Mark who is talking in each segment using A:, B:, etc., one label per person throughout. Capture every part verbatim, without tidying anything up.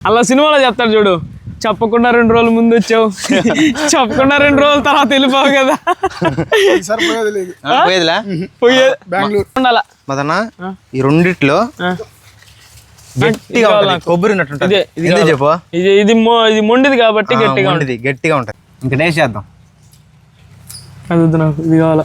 A: అలా సినిమాలో చెప్తాడు చూడు, చెప్పకుండా రెండు రోజుల ముందు వచ్చావు, చెప్పకుండా రెండు రోజుల తర్వాత వెళ్ళిపోవు కదా.
B: మదన ఈ రెండిట్లో గట్టిగా కొబ్బరి చెప్పు.
A: ఇది ఇది ఇది మొండిది కాబట్టి గట్టిగా ఉంటుంది,
B: గట్టిగా ఉంటుంది. ఇంకా టేస్ట్ చేద్దాం.
A: అది నాకు ఇది కావాలా.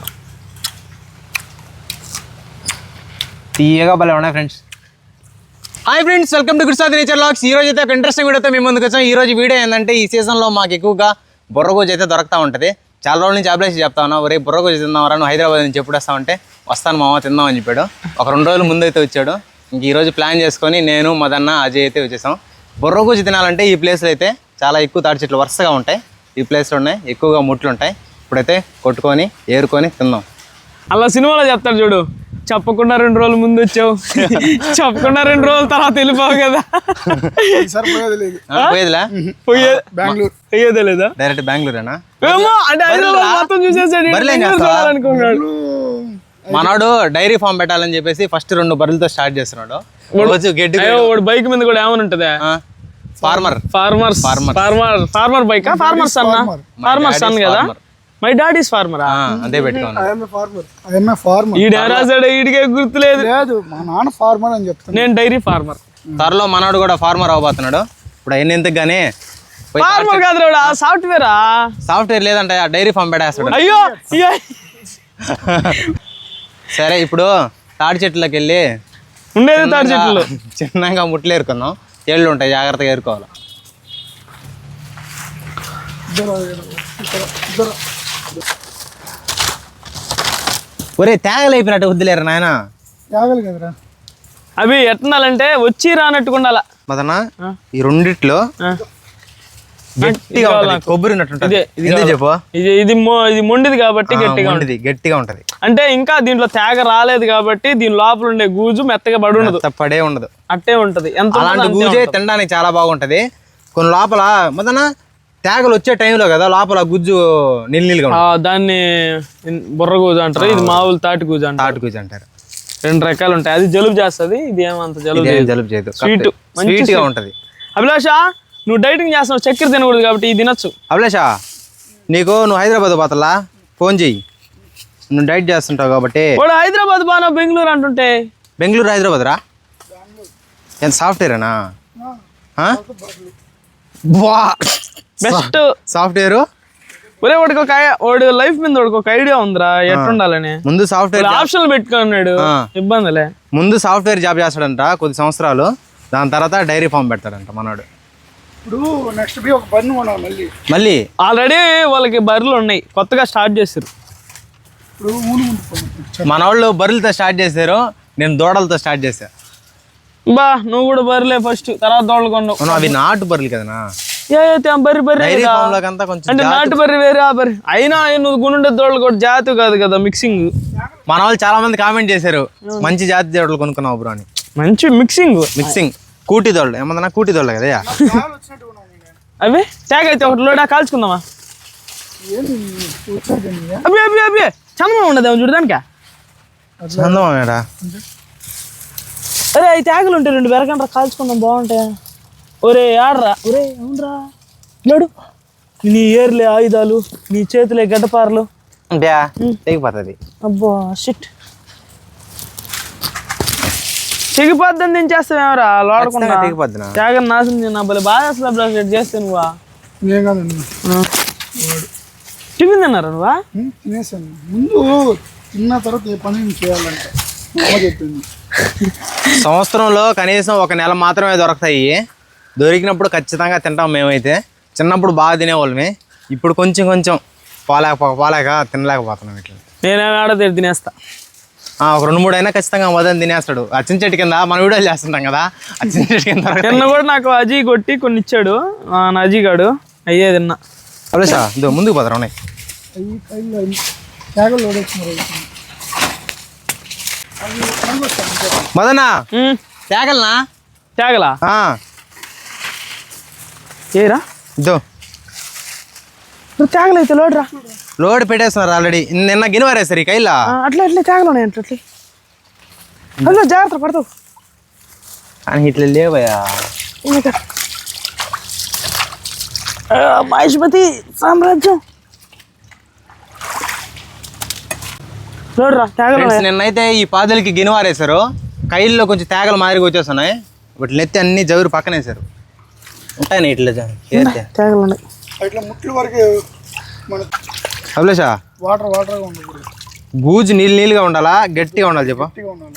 B: తీయగా భలే ఉన్నాయి friends. Hi friends, welcome to Gurusadi nature vlogs. ఈ రోజు అయితే ఒక ఇంట్రెస్టింగ్ వీడియోతో మేము ముందుకు వచ్చాం. ఈ రోజు వీడియో ఏంటంటే, ఈ సీజన్లో మాకు ఎక్కువగా బుర్రగోజు అయితే దొరుకుతూ ఉంటుంది. చాలా రోజుల నుంచి అప్లై చెప్తా ఉన్నా, ఒరే బుర్రగోజు తిందామరా, నువ్వు హైదరాబాద్ నుంచి ఎప్పుడు వస్తామంటే వస్తాను మామ తిందామని చెప్పాడు. ఒక రెండు రోజుల ముందు అయితే వచ్చాడు. ఇంక ఈరోజు ప్లాన్ చేసుకొని నేను మదన్న అజయ్ అయితే వచ్చేసాం. బుర్రగోజు తినాలంటే ఈ ప్లేస్లో అయితే చాలా ఎక్కువ తాటి చెట్లు వరుసగా ఉంటాయి. ఈ ప్లేస్లో ఉన్నాయి, ఎక్కువగా ముట్లు ఉంటాయి. ఇప్పుడైతే కొట్టుకొని ఏరుకొని తిందాం.
A: అలా సినిమాలో చెప్తాడు చూడు, చెప్పకుండా రెండు రోజుల ముందు వచ్చావు, చెప్పకుండా రెండు రోజుల తర్వాత వెళ్ళిపోవు కదా.
B: పోయేదిలా
A: పోయేదే లేదా,
B: డైరెక్ట్ బెంగళూరేనా?
A: మొత్తం చూసేసాడు.
B: మనోడు డైరీ ఫామ్ పెట్టాలని చెప్పేసి ఫస్ట్ రెండు బర్రెలతో స్టార్ట్ చేస్తున్నాడు.
A: బైక్ మీద కూడా ఏమని ఉంటదా,
B: farmer
A: farmer farmer farmer bike, farmer son farmer son కదా. My dad is farmer.
B: అదే పెట్టుకోండి.
A: ఈడికే గుర్తులేదు,
C: మా నాన్న ఫార్మర్ అని చెప్తాను,
A: నేను డైరీ ఫార్మర్.
B: త్వరలో మనోడు కూడా ఫార్మర్ అవబోతున్నాడు. ఇప్పుడు ఎన్ని ఎందుకు గానీ
A: ఫార్మర్ కాదు, సాఫ్ట్వేర్
B: సాఫ్ట్వేర్ లేదంట, డైరీ ఫామ్ పెట్టేస్తాడు.
A: అయ్యో
B: సరే, ఇప్పుడు తాడి చెట్లకి వెళ్ళి
A: ఉండేది తాడి చెట్లు
B: చిన్నగా ముట్లు ఏరుకుందాం. ఏళ్ళు ఉంటాయి, జాగ్రత్తగా ఏరుకోవాలి. ఒరే తేగలు అయిపోయినట్టు వద్దులేరు నాయన.
C: తేగలు కదరా
A: అవి ఎట్నాలంటే వచ్చి రానట్టుకుండాల.
B: మదన ఈ రెండిట్లో గట్టిగా కొబ్బరి చెప్పు.
A: ఇది ఇది ఇది మొండిది కాబట్టి గట్టిగా ఉంటుంది,
B: గట్టిగా ఉంటది.
A: అంటే ఇంకా దీంట్లో తేగ రాలేదు కాబట్టి దీని లోపల ఉండే గూజు మెత్తగా పడి ఉండదు,
B: పడే ఉండదు,
A: అట్టే ఉంటది. ఎంత
B: అలాంటి గూజే తినడానికి చాలా బాగుంటది. కొన్ని లోపల మదన తేగలు వచ్చే టైంలో కదా లోపల గుజ్జు నిల్లిగా
A: దాన్ని బుర్ర గూజు అంటారు, ఇది మామూలు తాటి గూజు అంటారు.
B: తాటి గూజు అంటారు.
A: రెండు రకాలు ఉంటాయి. అది జలుబు చేస్తుంది, ఇది ఏమంత జలుబు
B: జలుబు చేయదు,
A: స్వీట్
B: స్వీట్ గా ఉంటది.
A: అభిలాష, నువ్వు డైటింగ్ చేస్తున్నావు, చక్కెర తినకూడదు కాబట్టి ఇది తినొచ్చు.
B: అభిలాష, నీకు నువ్వు హైదరాబాద్ పోతలా ఫోన్ చెయ్యి, నువ్వు డైట్ చేస్తుంటావు కాబట్టి.
A: వాడు హైదరాబాద్ బాగా బెంగళూరు అంటుంటే.
B: బెంగళూరు హైదరాబాద్ రా, ఎంత సాఫ్ట్వేరేనా?
A: Best
B: software.
A: ఒరే వాడికి ఒక వాడి లైఫ్ మీద వాడికి ఒక ఐడియా ఉందిరా ఎట్టుండాలని.
B: ముందు సాఫ్ట్వేర్
A: ఆప్షన్ పెట్టుకున్నాడు, ఇబ్బందిలే.
B: ముందు సాఫ్ట్వేర్ జాబ్ చేస్తాడంట కొద్ది సంవత్సరాలు, దాని తర్వాత డైరీ ఫామ్ పెడతాడంట మనోడు.
C: ఇప్పుడు నెక్స్ట్ ఒక బర్రె కొనాలి మళ్ళీ.
B: మళ్ళీ
A: ఆల్రెడీ వాళ్ళకి బర్రెలు ఉన్నాయి, కొత్తగా స్టార్ట్ చేశారు.
B: ఇప్పుడు మన వాళ్ళు బర్రెలతో స్టార్ట్ చేశారు, నేను దూడలతో స్టార్ట్ చేశా.
A: బా నువ్వు కూడా బర్రెలే ఫస్ట్, తర్వాత దూడలు కొన్నావు.
B: అవి నాటు బర్రెలు కదనా,
A: బర్రె బర్రె అంటే నాటు బర్రె వేరే ఆ బర్రె అయినా. నువ్వు గుండె దూడలు కూడా జాతి కాదు కదా, మిక్సింగ్.
B: మన వాళ్ళు చాలా మంది కామెంట్ చేశారు, మంచి జాతి దూడలు కొనుక్కున్నావు బ్రో అని.
A: మంచి మిక్సింగ్
B: మిక్సింగ్ కూటి దోళ్ళు ఏమన్నా, కూటి దోళ్ళు కదా
A: అవి. ట్యాగ్ అయితే ఒకటి లోడా కాల్చుకుందామా? అవి అవి అవి చందమా ఉండదు చూడదానికా.
B: చందమాడా?
A: అరే అవి ట్యాగులు ఉంటాయి, రెండు బెరకండ్రా కాల్చుకుందాం, బాగుంటాయి. ఒరే ఆడరా, ఒరే అవునరా లేడు, నీ ఏర్లే ఆయుధాలు, నీ చేతులే గడ్డపారలు
B: తెగిపోతుంది.
A: అబ్బా షిట్, తెగిపోద్దని దించేస్తావేమరా లోడకుండా. త్యాగం నాశనం నా బలి బాగా అసలు చేస్తే నువ్వా? టిఫిన్ తిన్నారా నువ్వా?
C: తినేసాను, ముందు తిన్న తర్వాత ఏ పని చేయాలంటే చెప్పింది.
B: సంవత్సరంలో కనీసం ఒక నెల మాత్రమే దొరుకుతాయి. దొరికినప్పుడు ఖచ్చితంగా తింటాం మేమైతే. చిన్నప్పుడు బాగా తినేవాళ్ళమే, ఇప్పుడు కొంచెం కొంచెం పోలేక పోలేక తినలేకపోతున్నాం. ఇట్లా
A: నేనే ఆడ తినేస్తా,
B: ఒక రెండు మూడు అయినా ఖచ్చితంగా మొదలు తినేస్తాడు. అచ్చిన చెట్టు కింద మనం వీడియోలు చేస్తుంటాం కదా, అచ్చిన చెట్టు కింద
A: తిన్న కూడా నాకు అజీ కొట్టి కొన్ని ఇచ్చాడు నా అజీ గాడు, అయ్యే తిన్నా.
B: అదే సార్ ఇదో ముందుకు పోతారు ఉన్నాయి. మదనా తేగలనా?
A: తేగలా ఏరా
B: ఇదో
A: తేగలైతే లోడ్రా,
B: లోడ్ పెట్టేస్తున్నారు ఆల్రెడీ. నిన్న గినవారేసారు ఈ కైలా.
A: అట్లా ఎట్లా తేగలు ఉన్నాయి అట్లా అట్లా జాగ్రత్త పడతావు.
B: కానీ ఇట్లా లేవయా,
A: మహేష్మతి సామ్రాజ్యం చూడరా తేగలు
B: ఫ్రెండ్స్ నిన్నైతే ఈ పాదులకి గినివారేశారు, కైల్లో కొంచెం తేగలు మాదిరిగా వచ్చేస్తున్నాయి. వీటిని ఎత్తి అన్ని జవురు పక్కన వేశారు. ఉంటాయి ఇట్లా ఏరితే
A: తేగలు ఉన్నాయి.
C: ఇట్లా ముట్లు వరకు మన
B: అభిలేషా
C: వాటర్ వాటర్గా ఉండకూడదు,
B: గూజు నీళ్ళు నీళ్ళుగా ఉండాలా గట్టిగా ఉండాలి చెప్పు.
C: గట్టిగా ఉండాలి.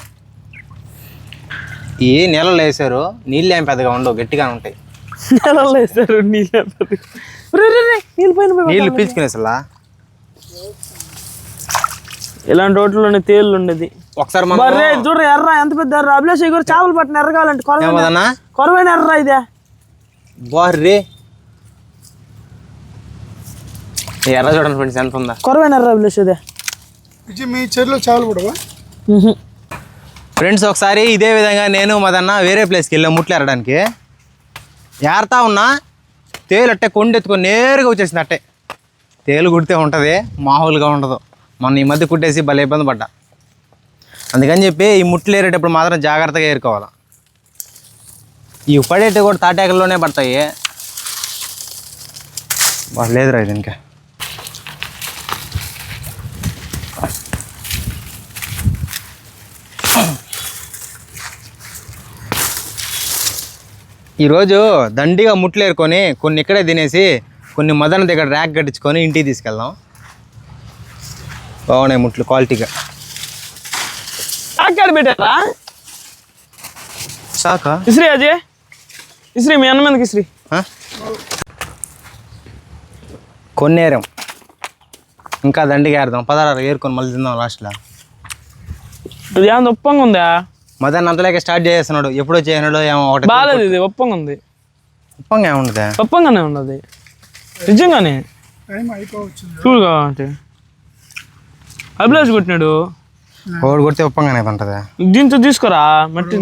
B: ఈ నీళ్ళలో వేసారు, నీళ్ళు ఏం పెద్దగా ఉండవు, గట్టిగా ఉంటాయి.
A: నెలలో వేస్తారు నీళ్ళు నీళ్ళు పైన
B: నీళ్ళు పీల్చుకునేసలా.
A: ఇలాంటి రోడ్లోనే తేళ్ళు ఉండేది.
B: ఒకసారి మనం
A: బర్రే చూడరా ఎర్ర ఎంత పెద్ద ఎర్ర. అభిలాష్ గారు చేపలు పట్టిన ఎర్ర కావాలంటే కొరవైన
B: ఏమదన్నా
A: కొరవైన ఎర్ర ఇదే.
B: బార్రీ ఎర్ర చూడండి ఫ్రెండ్స్ ఎంత ఉందా.
A: కొరవైన ఎర్ర అభిలాష్ ఇదే.
C: ఇది మీ చెరువులో చాలు కూడా
B: ఫ్రెండ్స్ ఒకసారి ఇదే విధంగా నేను మదన్న వేరే ప్లేస్కి వెళ్ళాం ముట్లు ఎరడానికి. ఏరుతా ఉన్నా తేలు అట్టే కొండెత్తుకొని నేరుగా వచ్చేసింది. అట్టే తేలు కుడితే ఉంటుంది, మామూలుగా ఉండదు. మొన్న ఈ మధ్య కుట్టేసి భలే ఇబ్బంది పడ్డా. అందుకని చెప్పి ఈ ముట్లు ఏరేటప్పుడు మాత్రం జాగ్రత్తగా ఏరుకోవాలి. ఇవి పడేటి కూడా తాటాకల్లోనే పడతాయి. బాగా లేదురా ఇది ఇంకా. ఈరోజు దండిగా ముట్లు ఏరుకొని కొన్ని ఇక్కడే తినేసి కొన్ని మదన దగ్గర ర్యాక్ కట్టించుకొని ఇంటికి తీసుకెళ్దాం. బాగున్నాయి ముట్లు క్వాలిటీగా.
A: అక్కడ పెట్టారా
B: సాకా
A: ఇస్రీ అజయ్ ఇస్రీ మీ అన్న మీదకి ఇస్రీ.
B: కొన్ని ఏరాం, ఇంకా దండిగా ఏరుదాం. పదహారు ఏరుకొని మళ్ళీ తిందాం లాస్ట్లో.
A: ఇది ఏమన్నా ఉప్పంగా ఉందా?
B: మదన్ అంతలేక స్టార్ట్ చేస్తున్నాడు, ఎప్పుడో చేయనాడు ఏమో ఒకటి.
A: బాగాలేదు, ఇది ఉప్పంగా ఉంది.
B: ఉప్పంగా ఏముండదా?
A: ఉప్పంగానే ఉన్నది నిజంగానే.
C: టైం అయిపోవచ్చు.
A: చూడు కావాలంటే అభిలాష్ కొట్టినాడు.
B: ఒకటి కొడితే ఉప్పంగానే ఉంటుందా?
A: దీంతో తీసుకోరా మట్టి.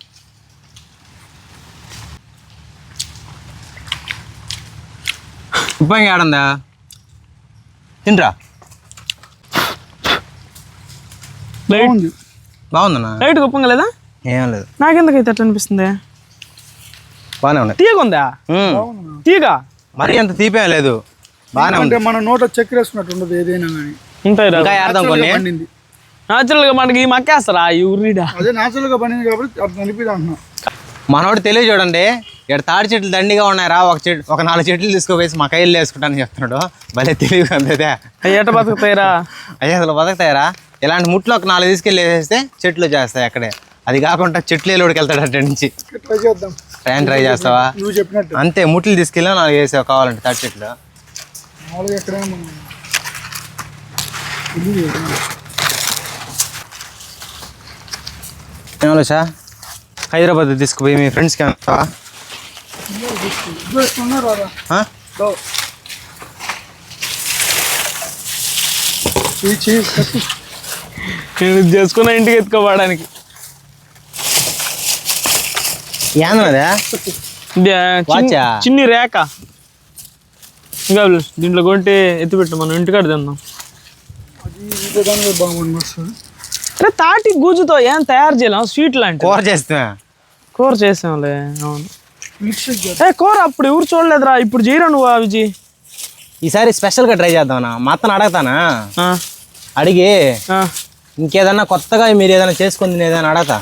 B: ఉప్పంగా ఆడందా తింట్రా.
C: బాగుంది.
B: బాగుందన్నా?
A: లైట్ ఉప్పంగా లేదా?
B: ఏం లేదు,
A: నాకెందుకైతే అట్లా అనిపిస్తుంది.
B: బాగానే ఉన్నాయి.
A: తీగ ఉందా? తీగ
B: మరీ అంత తీపేం లేదు, బాగానే ఉంది.
C: అంటే మన నోట చక్కెర వేసుకున్నట్టు ఉండదు ఏదైనా కానీ.
A: ఉంటాయి రా.
B: ఇంకా ఏడదాం కొన్ని.
C: పండింది
A: న్యాచురల్ గా మనకి మక్కేస్తారా ఈ ఉర్రీడా?
C: అదే న్యాచురల్ గా పండింది కాబట్టి అది నలిపిదా అంటున్నా.
B: మనోడు తెలియ చూడండి, ఇక్కడ తాడి చెట్లు దండిగా ఉన్నాయి రా, ఒక చెట్టు ఒక నాలుగు చెట్లు తీసుకోవేసి మా కైలు వేసుకుంటానని చెప్తున్నాడు. భలే తెలివి అంతే.
A: అవి ఎట్ట బతుకుతాయిరా?
B: అయ్యా అసలు బతుకుతాయరా? ఇలాంటి ముట్లు ఒక నాలుగు తీసుకెళ్ళి వేసేస్తే చెట్లు చేస్తాయి అక్కడే. అది కాకుండా చెట్లు ఎలుడికి వెళ్తాడు అటు నుంచి.
C: ట్రై చేద్దాం.
B: ట్రైన్ ట్రై చేస్తావా?
C: నువ్వు చెప్పినట్టు
B: అంతే, ముట్లు తీసుకెళ్ళి నాలుగు వేసావు కావాలంటే తాడి చెట్లు.
C: మామూలుగా ఎక్కడైనా మనం ఇల్లు చేద్దాం.
B: ఏమోసా హైదరాబాద్ తీసుకుపోయి మీ ఫ్రెండ్స్కి ఏమన్నా
C: ఉన్నారు రాదా?
A: నేను ఇది చేసుకున్న ఇంటికి ఎత్తుకోవడానికి.
B: ఏందన్నదా?
A: ఇది చిన్ని-
B: వాచా?
A: చిన్ని రేఖ. ఇంకా దీంట్లో కొంటే ఎత్తిపెట్టు, మనం ఇంటికాడ తిందాం.
C: అది బాగుంది వస్తుంది.
A: అరే తాటి గూజుతో ఏం తయారు చేయలేం, స్వీట్ లాంటి
B: కూర చేస్తా.
A: కూర చేసాంలే. అవును
C: మిక్స్ చేద్దాం.
A: ఏ కూర అప్పుడు ఎవరు చూడలేదురా, ఇప్పుడు చేయరా నువ్వు ఆ విజయ్.
B: ఈసారి స్పెషల్గా ట్రై చేద్దామన్నా. మా అత్తను అడగతానా,
A: ఆ,
B: అడిగి
A: ఆ.
B: ఇంకేదన్నా కొత్తగా మీరు ఏదైనా చేసుకుంది ఏదైనా అడగతా.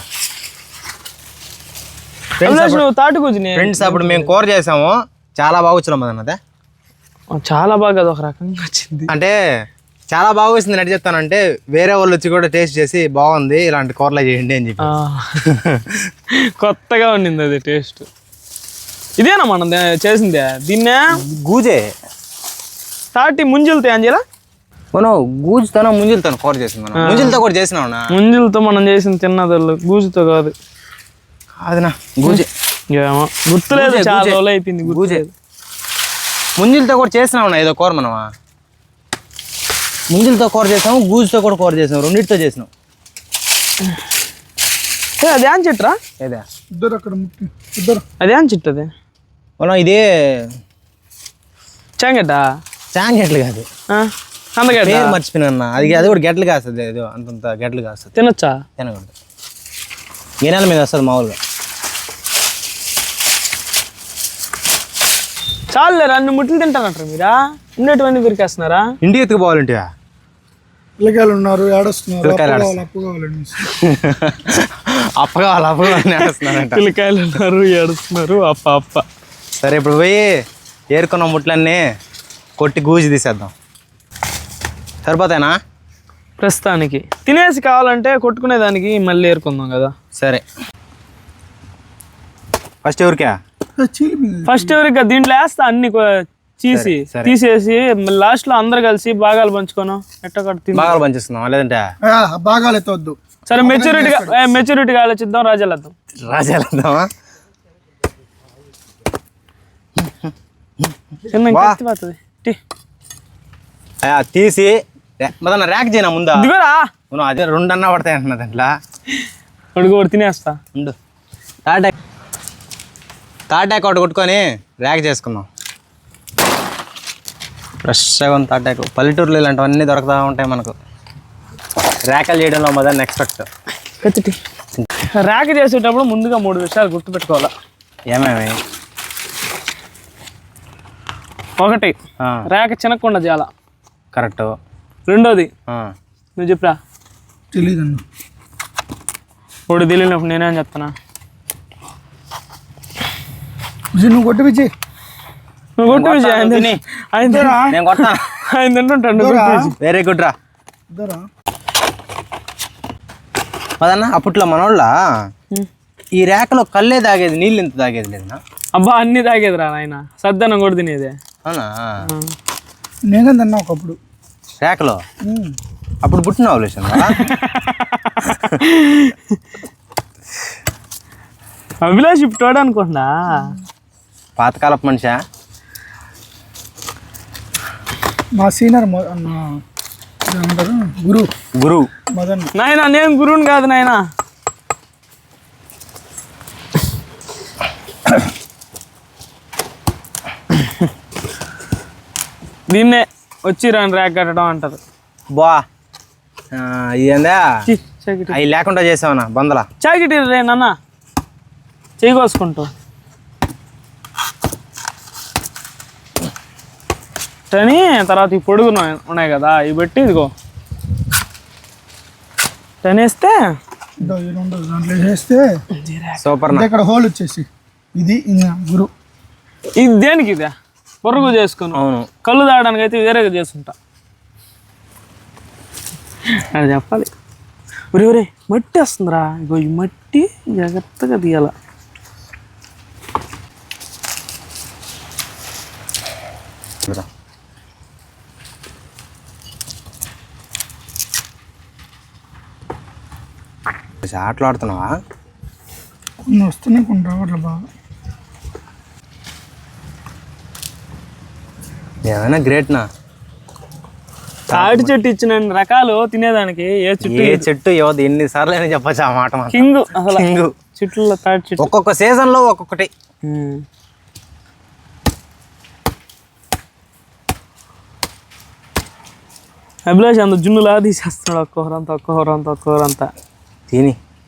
A: అభిలాష్ నువ్వు తాటి గూజుని
B: ఫ్రెండ్స్ అప్పుడు మేము కూర చేసాము, చాలా బాగా వచ్చినాం అన్నదే.
A: చాలా బాగా అది ఒక రకంగా వచ్చింది.
B: అంటే చాలా బాగా వచ్చింది ఎట్లా చెప్తానంటే, వేరే వాళ్ళు వచ్చి కూడా టేస్ట్ చేసి బాగుంది ఇలాంటి కూరలు చేయండి అని చెప్పి.
A: ఆ, కొత్తగా ఉండింది అది టేస్ట్. ఇదేనా మనం దే- చేసిందే? దీన్నే
B: గూజే
A: తాటి ముంజులతో ఏం చేయాల?
B: మనం గూజుతోనో ముంజులతో కూర చేసింది. మనం ముంజులతో కూడా చేసినావునా?
A: ముంజులతో మనం చేసిన తిన్నదళ్ళు, గూజుతో కాదు.
B: అదినా గూజే.
A: ఏమో గుర్తులేదు,
B: గూజే,
A: చాలా
B: గూజే.
A: రోజులు అయిపోయింది
B: గూజే
A: గుర్తులేదు.
B: ముంజులతో కూడా చేసినావునా ఏదో కూర మనమా? ముంజులతో కూర చేసాము, గూజుతో కూడా కూర చేసాము, రెండింటితో చేసినాం.
A: ఏ, అది ఏం చెట్టురా?
B: ఏదా
C: ఇద్దరు అక్కడ ముట్టి ఇద్దరు
A: అది ఏం చెట్టు అది?
B: మనం ఇదే
A: చాంగడ్డ?
B: చాంగెట్లు కాదు,
A: అందగడ్డ
B: పేరు మర్చిపోయినా. అది అది కూడా గెట్లు కాస్తుంది, ఏదో అంతంత గెట్లు కాస్తుంది.
A: తినొచ్చా?
B: తినకూడదు, గిన్నెల మీద వస్తుంది మామూలుగా.
A: చాలు అన్ని ముట్లు తింటానంటారు మీరా ఉండేటువంటి పిరికేస్తున్నారా
B: ఇంటికి ఎత్తుకుపోవాలంటే
C: పిల్లకాయలు ఉన్నారు ఏడొస్తున్నారు
B: పిల్లకాయలు
C: అప్పు కావాలి అప్పు కావాలండి
B: అప్ప కావాలి అప్ప కావాలని ఏడుస్తున్నారంట
A: పిల్లకాయలు ఉన్నారు ఏడుస్తున్నారు అప్ప అప్ప
B: సరే ఇప్పుడు పోయి ఏరుకున్న ముట్లన్నీ కొట్టి గూజి తీసేద్దాం సరిపోతాయినా
A: ప్రస్తుతానికి తినేసి కావాలంటే కొట్టుకునే దానికి మళ్ళీ ఏరుకుందాం కదా
B: సరే ఫస్ట్ ఎవరికా
A: ఫస్ట్ ఎవరికి దీంట్లో వేస్తా అన్ని కొ- చీసి తీసేసి లాస్ట్ లో అందరు కలిసి భాగాలు పంచుకోను ఎట్టొకటి తిని
B: బాగా పంచిస్తున్నాం లేదంటే
C: బాగాలు ఎత్తవద్దు
A: సరే మెచ్యూరిటీగా మెచ్యూరిటీగా ఆలోచిద్దాం రాజాలద్దాం
B: రాజేద్దామా
A: చిన్న కత్తి పోతుంది టీ.
B: తీసి మదన్న ర్యాక్ చేయనా ముందా
A: దిగోరా
B: నువ్వు అదే రెండన్నా పడతాయి అంటున్నా దాంట్లో
A: అడుగు ఒకటి తినేస్తా
B: ఉండు తాటాక్ తాటాక్ ఒకటి కొట్టుకొని ర్యాక్ చేసుకుందాం ఫ్రెష్గా ఉంది తాటాకు పల్లెటూరులో ఇలాంటివన్నీ దొరుకుతూ ఉంటాయి మనకు ర్యాకలు చేయడంలో మొదలు ఎక్స్పెక్ట్
A: కత్తి ర్యాక్ చేసేటప్పుడు ముందుగా మూడు విషయాలు గుర్తుపెట్టుకోవాలా
B: ఏమేమి
A: ఒకటి ర్యాక్ చినకుండా చేయాల
B: కరెక్ట్
A: రెండోది నువ్వు చెప్పరా
C: తెలియదండి
A: ఒకటి తెలియనప్పుడు నేనేం చెప్తానా
C: నువ్వు కొట్టి పిచ్చి
A: నువ్వు కొట్టు విజయ్ ఆయన తిని- ఆయన తిని-
B: నేను కొడతా
A: ఆయన తింటుంటాడు నువ్వు కొట్టు విజయ్.
B: వెరీ గుడ్ రా
C: ఇద్దరా
B: అదన్నా అప్పట్లో మనోళ్ళ ఈ ర్యాక్లో కళ్ళే తాగేది నీళ్ళు ఎంత తాగేది లేదన్నా
A: అబ్బా అన్ని తాగేదిరా నాయన సద్దనం కూడా తినేదే
B: అవునా
C: నేను తిన్నా ఒకప్పుడు
B: ర్యాక్లో అప్పుడు పుట్టిన అవలేషన్
A: అభిలాష్ ఇప్పుడు అనుకుంటున్నా
B: పాతకాలపు మనిషా
C: మా సీనియర్ ఏమంటారు గురు
B: గురు
C: మదన్
A: నాయన నేను గురువుని కాదు నాయన దీన్నే వచ్చి రాని ర్యాక్ కట్టడం అంటారు
B: బా ఇదేందా
A: ఛీ, చాకిటి
B: అవి లేకుండా చేసావనా బందల
A: చాకిటి రే నాన్న చేయి కోసుకుంటూ కానీ తర్వాత ఈ పొడుగు ఉన్నాయి- ఉన్నాయి కదా ఇవి పెట్టి ఇదిగో టనేస్తే
C: ఇదో ఈ రెండు దాంట్లో వేస్తే
B: సూపర్
C: అంటే ఇక్కడ హోల్ వచ్చేసి ఇది ఇంకా గురు
A: ఇది దేనికి ఇదే పొరుగు చేసుకుని
B: అవును
A: కళ్ళు తాగడానికి అయితే వేరేగా చేసుకుంటా అది చెప్పాలి ఒరే ఒరే మట్టి వస్తుందిరా ఇగో ఈ మట్టి జాగ్రత్తగా తీయాల
B: ఆటలు ఆడుతున్నావా
C: కొన్ని వస్తున్నాయి కొన్ని రావట్లే బాగా
B: ఏమైనా గ్రేట్నా
A: తాటి చెట్టు ఇచ్చిన రకాలు తినేదానికి ఏ చెట్టు
B: ఏ చెట్టు యువత ఎన్నిసార్లు అయినా చెప్పచ్చు ఆ మాట మాత్రం.
A: కింగ్ అసలు
B: కింగు.
A: చెట్లలో తాటి చెట్టు
B: ఒక్కొక్క సీజన్ లో ఒక్కొక్కటి
A: ఉమ్. అభిలాష్ అంత జున్నులా తీసేస్తున్నాడు ఒక్కొక్కరంతా ఒక్కొక్కరంతా ఒక్కొక్కరంతా
B: తిని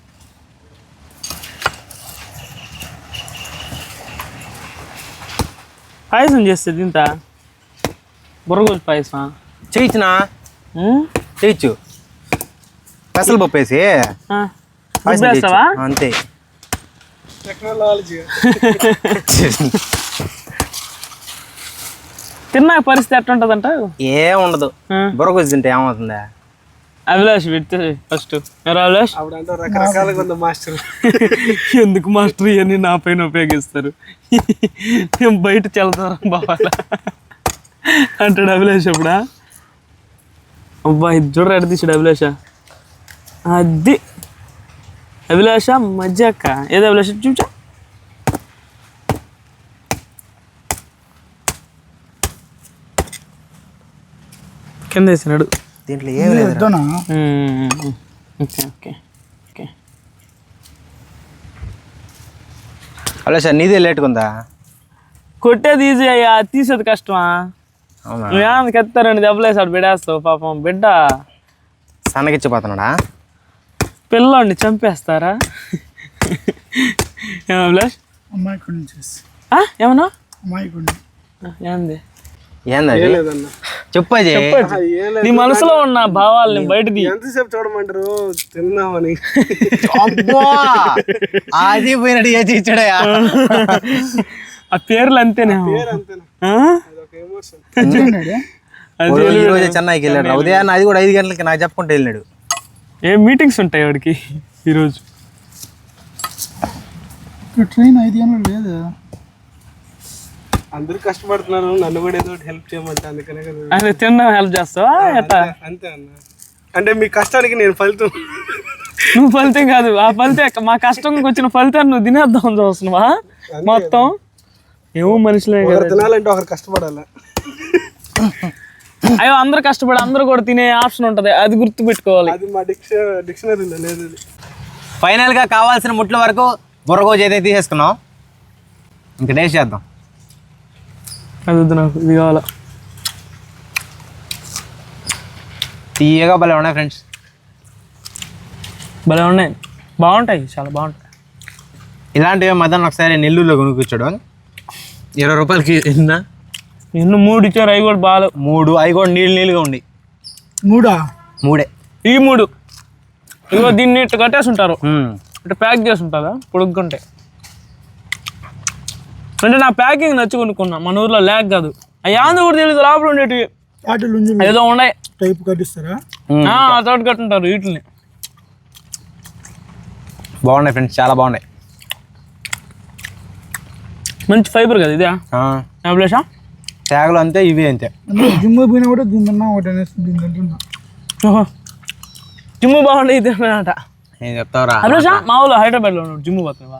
A: పాయసం చేస్తే తింటా బుర్రగోజు పాయసం
B: చేయించునా చేయించు పెసలు పప్పు వేసి పాయసం చేయొచ్చు.
A: వేస్తావా
B: అంతే
C: టెక్నాలజీ
A: తిన్నాక పరిస్థితి ఎట్లుంటదంట
B: ఏం ఉండదు బుర్రకొచ్చి తింటే ఏమవుతుందా
A: అభిలాష్ పెడితే ఫస్ట్ ఎవరు అభిలాష్
C: రకరకాలుగా ఉంది మాస్టర్
A: ఎందుకు మాస్టర్ ఇవన్నీ నా పైన ఉపయోగిస్తారు నేను బయట చల్లుతారా బావాలా అంటాడు అభిలాష్ అప్పుడా అబ్బా ఇది చూడరా ఎడ తీసాడు అభిలాష అది అభిలాష మజ్జాక ఏదో అభిలాష చూచా కింద వేసినాడు
B: దీంట్లో ఏం లేదు
C: వద్దనా
A: ఓకే ఓకే ఓకే
B: అలా సార్ నీదే లేట్గా ఉందా
A: కొట్టేది ఈజీ అయ్యా తీసేది కష్టమా
B: అవునా
A: నువ్వేమన్నా కెత్తారండి దెబ్బలేసాడు బిడేస్తావు పాపం బిడ్డ
B: సన్నగిచ్చిపోతున్నాడా
A: పిల్లోడిని చంపేస్తారా ఏమన్నా అభిలాష్
C: అమ్మాయికుడిని చేసి
A: ఏమన్నా
C: అమ్మాయికుడిని
A: ఏంది
B: ఏంది అది?
C: లేదన్నా
B: చెప్పు అజయ్.
A: నీ మనసులో ఉన్న భావాలని బయటది.
C: ఎంతసేపు చూడమంటారు తిందామని.
B: అబ్బా అది పోయినట్టు చేసి ఇచ్చాడయా.
A: ఆ పేర్లు అంతేనే. ఆ? అది
B: ఈ రోజు చెన్నైకి వెళ్ళాడు ఉదయాన్ని, అది కూడా ఐదు గంటలకి నాకు చెప్పుకుంటూ వెళ్ళాడు.
A: ఏం మీటింగ్స్ ఉంటాయి వాడికి ఈరోజు?
C: ట్రైన్ ఐదు గంటలు లేదు. అందరు కష్టపడుతున్నారు, నన్ను కూడా ఏదో హెల్ప్ చేయమంటే అందుకనే కదా.
A: అదే తినడం హెల్ప్ చేస్తావా ఎట్టా?
C: అంతే అన్న, అంటే మీ కష్టానికి నేను ఫలితం.
A: నువ్వు ఫలితం కాదు, ఆ ఫలితం మా కష్టంకి వచ్చిన ఫలితాన్ని నువ్వు తినేద్దాం చూస్తున్నావా మొత్తం? ఏమో మనుషులే కదా.
C: తినాలంటే ఒకరు కష్టపడాలి.
A: అయ్యో అందరు కష్టపడి అందరూ కూడా తినే ఆప్షన్ ఉంటది, అది గుర్తు పెట్టుకోవాలి.
C: అది మా డిక్ష డిక్షనరీలో లేదు.
B: ఫైనల్ గా కావాల్సిన ముట్ల వరకు బొరగోజు అయితే తీసేసుకున్నాం. ఇంకా టేస్ట్ చేద్దాం.
A: అది వద్దు నాకు, ఇది కావాలా.
B: తీయగా భలే ఉన్నాయి ఫ్రెండ్స్.
A: భలే ఉన్నాయి, బాగుంటాయి, చాలా బాగుంటాయి.
B: ఇలాంటివి మధ్యాహ్నం ఒకసారి నెల్లూరులో కొనుక్కొచ్చాడు, ఇరవై రూపాయలకి ఎన్న
A: ఎన్ని మూడు ఇచ్చారు, అవి కూడా బాగా
B: మూడు, అవి కూడా నీళ్ళు నీళ్ళుగా ఉండి.
C: మూడా?
B: మూడే
A: ఈ మూడు. ఇదిగో దీన్ని ఇట్లా కట్టేసి ఉంటారు, ఇట్లా ప్యాక్ చేసి ఉంటుందా పొడుక్కుంటే. అంటే నా ప్యాకింగ్ నచ్చి కొనుక్కున్నా, మన ఊర్లో ల్యాక్ కాదు. అవి ఆంధ్ర కూడా తెలియదు, లోపల ఉండేటివి ఏదో ఉన్నాయి
C: టైప్ కట్టిస్తారా?
A: తోట కట్టుంటారు వీటిని.
B: బాగున్నాయి ఫ్రెండ్స్, చాలా బాగున్నాయి.
A: మంచి ఫైబర్ కదా ఇదే ప్లేసా?
B: తేగలు అంతే, ఇవి అంతే.
C: జిమ్ పోయినా కూడా దీని తిన్నా ఒకటి అనేసి దీని తింటున్నా.
A: జిమ్ బాగుండే ఇది అన్నమాట.
B: ఏం చెప్తావురా?
A: అభిలాష మా ఊళ్ళో హైదరాబాద్లో ఉన్నాడు, జిమ్ పోతున్నావా?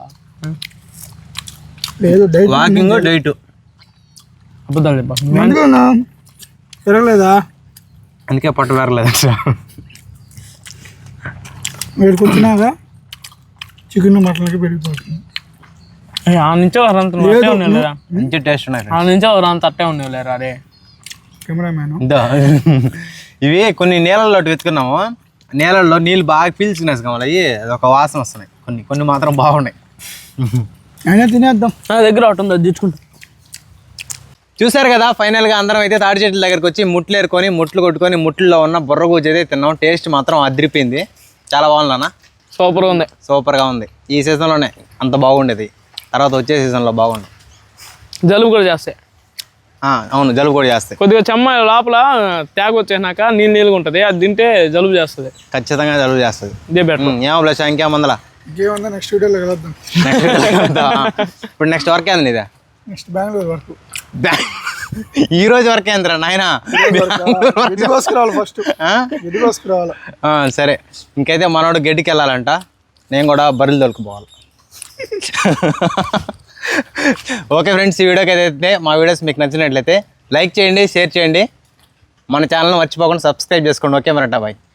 C: లేదు డైట్
B: వాకింగ్ డైట్.
A: అబద్ధాలు చెప్పా,
C: పెరగలేదా?
B: అందుకే పట్టు పెరగలేదు.
C: వీడికి వచ్చినాక చికెన్ మటన్కి పెరిగిపోతుంది.
A: ఆ నుంచే వారంత అట్టే ఉన్నాయి లేదా?
B: మంచి టేస్ట్ ఉన్నాయి.
A: ఆ నుంచే వారంత అట్టే ఉన్నాయి లేరా? అరే
C: కెమెరామ్యాన్,
B: ఇవి కొన్ని నీళ్ళల్లో వెతుకున్నాము, నీళ్ళల్లో నీళ్ళు బాగా పీల్చుకునేసి కావాలి, అవి అదొక వాసన వస్తున్నాయి. కొన్ని కొన్ని మాత్రం బాగున్నాయి.
C: అయినా తినేద్దాం.
A: నా దగ్గర ఒకటి ఉంది, అది తెచ్చుకుంటా.
B: చూసారు కదా, ఫైనల్గా అందరం అయితే తాడి చెట్ల దగ్గరికి వచ్చి ముట్లు ఏరుకొని ముట్లు కొట్టుకొని ముట్లలో ఉన్న బుర్రగూజ అయితే తిన్నాం. టేస్ట్ మాత్రం అదిరిపోయింది, చాలా బాగుంది అన్న.
A: సూపర్గా ఉంది,
B: సూపర్గా ఉంది. ఈ సీజన్లోనే అంత బాగుండేది, తర్వాత వచ్చే సీజన్లో బాగుంది.
A: జలుబు కూడా చేస్తాయి.
B: అవును, జలుబు కూడా చేస్తాయి.
A: కొద్దిగా చెమ్మ లోపల తేగ వచ్చేసినాక నీళ్ళు నీళ్ళగా ఉంటుంది, అది తింటే జలుబు చేస్తుంది.
B: ఖచ్చితంగా జలుబు చేస్తుంది.
A: ఇదే బెటర్.
B: ఏమో ప్లస్ ఇంకేమందలా
C: ఇంకేమన్నా నెక్స్ట్ వీడియోలో కలుద్దాం.
B: ఇప్పుడు నెక్స్ట్ వర్క్ ఏంది ఇదే?
C: నెక్స్ట్ బెంగళూరు వరకు.
B: ఈ రోజు వరకే ఏందిరా నాయన?
C: ఎదిగోసుకురావాలి ఫస్ట్, ఎదిగోసుకురావాలి.
B: సరే, ఇంకైతే మనోడు గడ్డికి వెళ్ళాలంట, నేను కూడా బర్రెలు దొరుకుపోవాలి. ఓకే ఫ్రెండ్స్, ఈ వీడియోకి అయితే మా వీడియోస్ మీకు నచ్చినట్లయితే లైక్ చేయండి, షేర్ చేయండి, మన ఛానల్ని మర్చిపోకుండా సబ్స్క్రైబ్ చేసుకోండి. ఓకే మరట బాయ్.